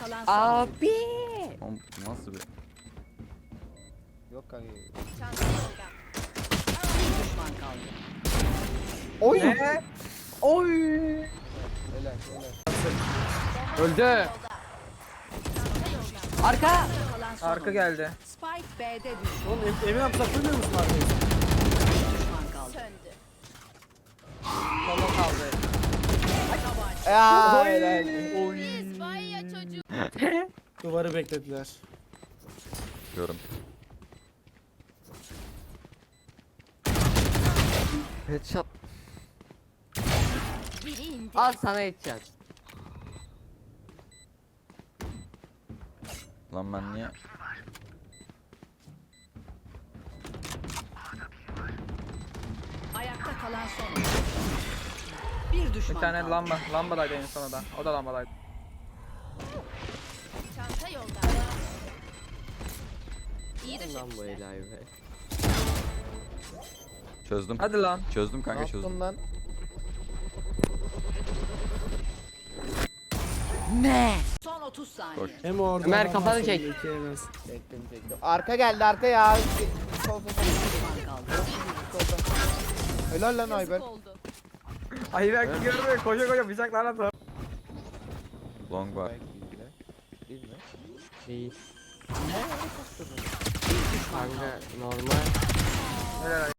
kalan son. Abi. Oğlum nasıl bir... Yok kanka. Çanta yolda. Bir düşman kaldı. Oy. Oy. Helal helal. Öldü. Arka. Kalan son. Arka geldi. Spike B'de düştü. Oğlum Emin abi saklanmıyor musun arkayı? Bir düşman kaldı. Söndü. Tamam kaldı. Ya helal. Duvarı beklediler. Diyorum. Headshot. Biri indi. Al sana headshot. Lan ben niye... Ayakta kalan son. Bir düşman Bir tane kaldı. lamba. Lambadaydı en sona da. O da lambadaydı. Çanta yolda. İyi de Lan bu helal be. Çözdüm. Hadi lan. Çözdüm Ne kanka yaptın çözdüm. lan? son 30 saniye. Koş. Hem orada. Ömer, adam kafanı var, çek. sonra iki yemez. Çektim çektim. Arka geldi arka ya. Sol sol sol. Düşman kaldı. Solda. Helal lan Ayber. Ay belki görmüyor. Koşa koşa bıçaklarla atar. Long var. Değil mi? Değil. Kanka normal. Helal.